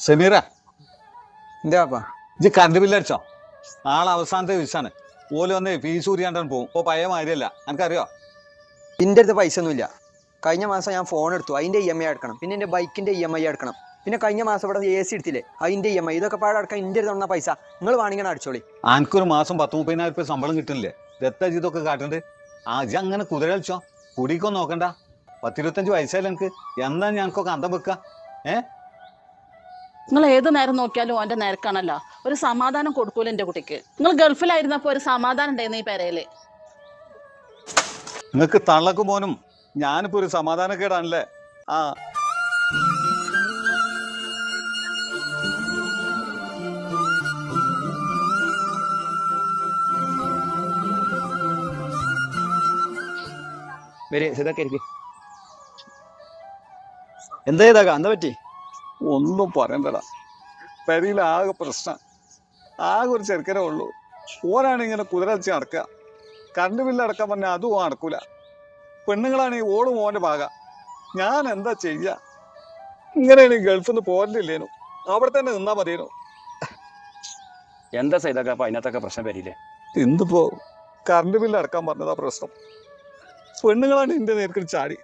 സമീറ എന്താപ്പാ ഇത് കറണ്ട് ബില്ലടിച്ചോ? നാളെ അവസാനത്തെ ദിവസമാണ്. ഓല് വന്ന് ഫീസ് ഊരിയാണ്ടാണ് പോകും. ഇപ്പോൾ പഴയ മാതിരിയല്ല, എനിക്കറിയോ? എൻ്റെ അടുത്ത് പൈസ ഒന്നുമില്ല. കഴിഞ്ഞ മാസം ഞാൻ ഫോൺ എടുത്തു, അതിൻ്റെ EMI അടക്കണം. പിന്നെ എൻ്റെ ബൈക്കിൻ്റെ EMI അടക്കണം. പിന്നെ കഴിഞ്ഞ മാസം ഇവിടെ AC എടുത്തില്ലേ, അതിൻ്റെ EMI. ഇതൊക്കെ പാടെ അടക്കാൻ എൻ്റെ അടുത്ത് തന്ന പൈസ നിങ്ങൾ വേണമെങ്കിൽ അടിച്ചോളി. എനിക്കൊരു മാസം 10-30,000 ശമ്പളം കിട്ടുന്നില്ലേ? ദത്ത ഇതൊക്കെ കാട്ടുണ്ട്. ഇജ്ജ് അങ്ങനെ കുതിര കളിച്ചോ? കുടിക്കൊന്നും നോക്കണ്ട. 10-25 വയസ്സായാലും എനിക്ക് എന്താ ഞങ്ങൾക്കൊക്കെ അന്തം വെക്കുക? നിങ്ങൾ ഏത് നേരം നോക്കിയാലും ഓൻ്റെ നേരക്കാണല്ലോ. ഒരു സമാധാനം കൊടുക്കൂല എൻ്റെ കുട്ടിക്ക്. നിങ്ങൾ ഗൾഫിലായിരുന്നപ്പോൾ ഒരു സമാധാനം ഉണ്ടായിരുന്നു ഈ പെരയില്. നിങ്ങൾക്ക് തള്ളക്ക് പോനും ഞാനിപ്പോ ഒരു സമാധാനക്കേടാണല്ലേ? എന്താ ചെയ്താ എന്താ പറ്റി? ഒന്നും പറയണ്ടടാ. പെരയിൽ ആകെ പ്രശ്നം. ആകെ ഒരു ചെറുക്കനേ ഉള്ളൂ. ഓരാണ് ഇങ്ങനെ കുതിരച്ച് നടക്കുക. കറണ്ട് ബില്ല് അടക്കാൻ പറഞ്ഞാൽ അതും നടക്കൂല. പെണ്ണുങ്ങളാണെങ്കിൽ ഓടും ഓൻ്റെ ഭാഗ. ഞാൻ എന്താ ചെയ്യാ? ഇങ്ങനെയാണ് ഗൾഫിൽ നിന്ന് പോരണ്ടില്ലേനു. അവിടെ തന്നെ നിന്നാ മതിയേനു. എന്താ ചെയ്തൊക്കെ അപ്പൊ അതിനകത്തൊക്കെ പ്രശ്നം വരില്ലേ? എന്തിപ്പോ കറണ്ട് ബില്ല് അടക്കാൻ പറഞ്ഞതാ പ്രശ്നം. പെണ്ണുങ്ങളാണ് എന്റെ നേർക്ക് ചാടി.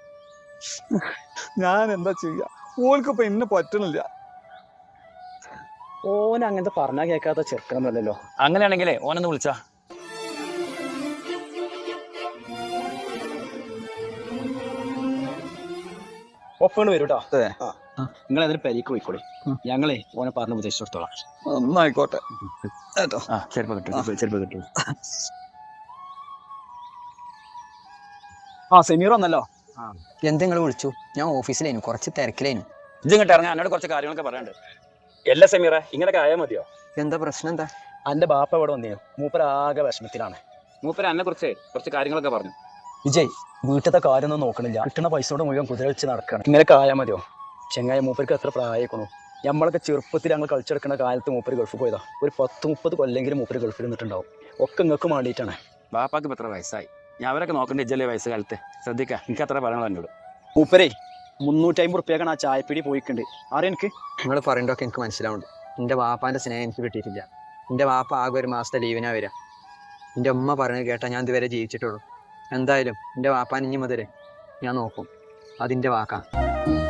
ഞാൻ എന്താ ചെയ്യാ? ഓൾക്കിപ്പോ എന്നെ പറ്റണില്ല. ഓൻ അങ്ങനത്തെ പറഞ്ഞാ കേൾക്കാത്ത ചെറുക്കണമെന്നല്ലോ. അങ്ങനെയാണെങ്കിലേ ഓനൊന്ന് വിളിച്ചാ. ഒപ്പണ് വരും കേട്ടോ. നിങ്ങൾ അതിന് പരിക്ക് പോയിക്കോളി. ഞങ്ങളെ ഓനെ പറഞ്ഞ് ഉപദേശിച്ചോളാം. ഒന്നായിക്കോട്ടെ കേട്ടോ. ചെറുപ്പം കിട്ടും, ചെറുപ്പം കിട്ടും. സെമീർ വന്നല്ലോ. എന്തെങ്കിലും വിളിച്ചു? ഞാൻ ഓഫീസിലായിരുന്നു, കുറച്ച് തിരക്കിലായിരുന്നു. ഇങ്ങോട്ട് ഇറങ്ങാൻ എന്നോട് കുറച്ച് കാര്യങ്ങളൊക്കെ പറയാനുണ്ട്. എല്ലാ സെമീറ ഇങ്ങനെയൊക്കെ ആയാൽ മതിയോ? എന്താ പ്രശ്നം? എന്താ? അന്റെ ബാപ്പ ഇവിടെ വന്നേ. മൂപ്പര ആകെ വിഷമത്തിലാണ്. മൂപ്പര എന്നെ കുറിച്ച് കുറച്ച് കാര്യങ്ങളൊക്കെ പറഞ്ഞു. വിജയ് വീട്ടിലത്തെ കാര്യമൊന്നും നോക്കണില്ല. കിട്ടുന്ന പൈസയോട് മുഴുവൻ കുതിര വെച്ച് നടക്കണം. ഇങ്ങനെയൊക്കെ ആയാൽ മതിയോ? ചെങ്ങായ മൂപ്പർക്ക് എത്ര പ്രായക്കണു. നമ്മളൊക്കെ ചെറുപ്പത്തിൽ ഞങ്ങൾ കളിച്ചെടുക്കുന്ന കാലത്ത് മൂപ്പര് ഗൾഫ് പോയതാ. ഒരു 10-30 കൊല്ലെങ്കിലും മൂപ്പര് ഗൾഫിൽ നിന്നിട്ടുണ്ടാവും. ഒക്കെ നിങ്ങൾക്ക് വേണ്ടിയിട്ടാണ്. ബാപ്പാക്ക് ഇപ്പം എത്ര വയസ്സായി? ഞാൻ അവരൊക്കെ നോക്കേണ്ട ഇജ്ജല്ലേ വയസ്സ് കാലത്ത്. ശ്രദ്ധിക്കാം. എനിക്ക് അത്ര പറയണോ എന്നോട്. മൂപ്പരേ 350 റുപ്യക്കാണ് ആ ചായപ്പിടി പോയിട്ടുണ്ട്. ആരെ എനിക്ക് നിങ്ങൾ പറയണ്ടൊക്കെ എനിക്ക് മനസ്സിലാവുന്നുണ്ട്. എൻ്റെ വാപ്പാൻ്റെ സ്നേഹം എനിക്ക് കിട്ടിയിട്ടില്ല. എൻ്റെ വാപ്പ ആകെ ഒരു മാസത്തെ ലീവിനാ വരിക. എൻ്റെ ഉമ്മ പറഞ്ഞത് കേട്ടാൽ ഞാൻ ഇതുവരെ ജീവിച്ചിട്ടുള്ളൂ. എന്തായാലും എൻ്റെ വാപ്പാൻ ഇനി മുതലേ ഞാൻ നോക്കും. അതിൻ്റെ വാക്കാ.